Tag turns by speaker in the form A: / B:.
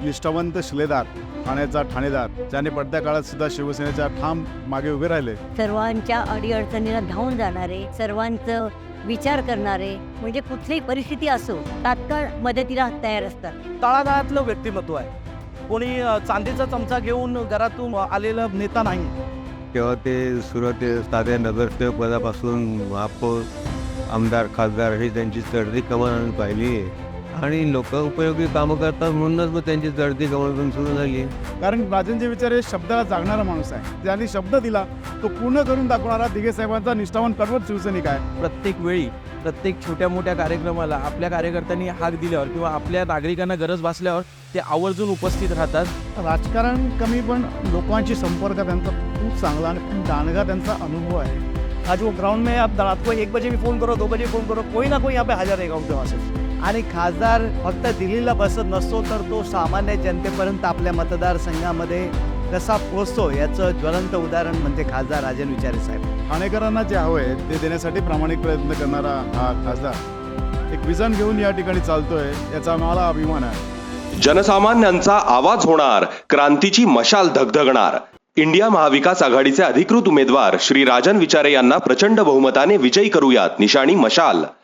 A: निष्ठावंत शिलेदार, ठाण्याचा ठाणेदार, ज्याने पडत्या काळात सुद्धा शिवसेनेच्या ठाम मागे उभे राहिले.
B: सर्वांच्या अडीअडचणीला धावून जाणारे, सर्वांचं विचार करणारे, म्हणजे कुठलीही परिस्थिती असो तात्काळ मदतीला तयार असतात.
C: तळागाळातलं व्यक्तिमत्व आहे. कोणी चांदीचा चमचा घेऊन घरातून आलेला नेता नाही.
D: तेव्हा ते सुरुवाती साध्या नगरसेवक पदापासून महापौर, आमदार, खासदार हे त्यांची चढती कमान पाहिली आणि लोक उपयोगी कामं करतात म्हणूनच मग त्यांची चढती कमान पण सुरू झाली.
A: कारण राजनचे विचार हे शब्दाला जागणारा माणूस आहे. ज्यांनी शब्द दिला तो पूर्ण करून दाखवणारा दिघे साहेबांचा निष्ठावान कर्मठ शिवसैनिक आहे.
C: प्रत्येक वेळी प्रत्येक छोट्या मोठ्या कार्यक्रमाला आपल्या कार्यकर्त्यांनी हाक दिल्यावर किंवा आपल्या नागरिकांना गरज भासल्यावर ते आवर्जून उपस्थित राहतात.
A: राजकारण कमी पण लोकांशी संपर्क त्यांचा खूप चांगला आणि खूप दांडगा त्यांचा अनुभव आहे.
C: आज वो ग्राउंड में अब रात को 1 बजे भी फोन करो, 2 बजे फोन करो, कोई ना कोई यहाँ पे हाजर रहेगा उनके वहाँ से. आणि खासदार फक्त दिल्लीला बसत नसतो तर तो सामान्य जनतेपर्यंत आपल्या मतदारसंघामध्ये कसा पोहोचतो याचं ज्वलंत उदाहरण म्हणजे खासदार राजन विचारे साहेब.
A: ठाणेकरांना जे हवं आहे ते देण्यासाठी प्रामाणिक प्रयत्न करणारा हा खासदार एक विजन घेऊन या ठिकाणी चालतोय, याचा मला अभिमान आहे.
E: जनसामान्यांचा आवाज होणार, क्रांतीची मशाल धगधगणार. इंडिया महाविकास आघाडीचे अधिकृत उमेदवार श्री राजन विचारे यांना प्रचंड बहुमताने विजयी करूयात. निशाणी मशाल.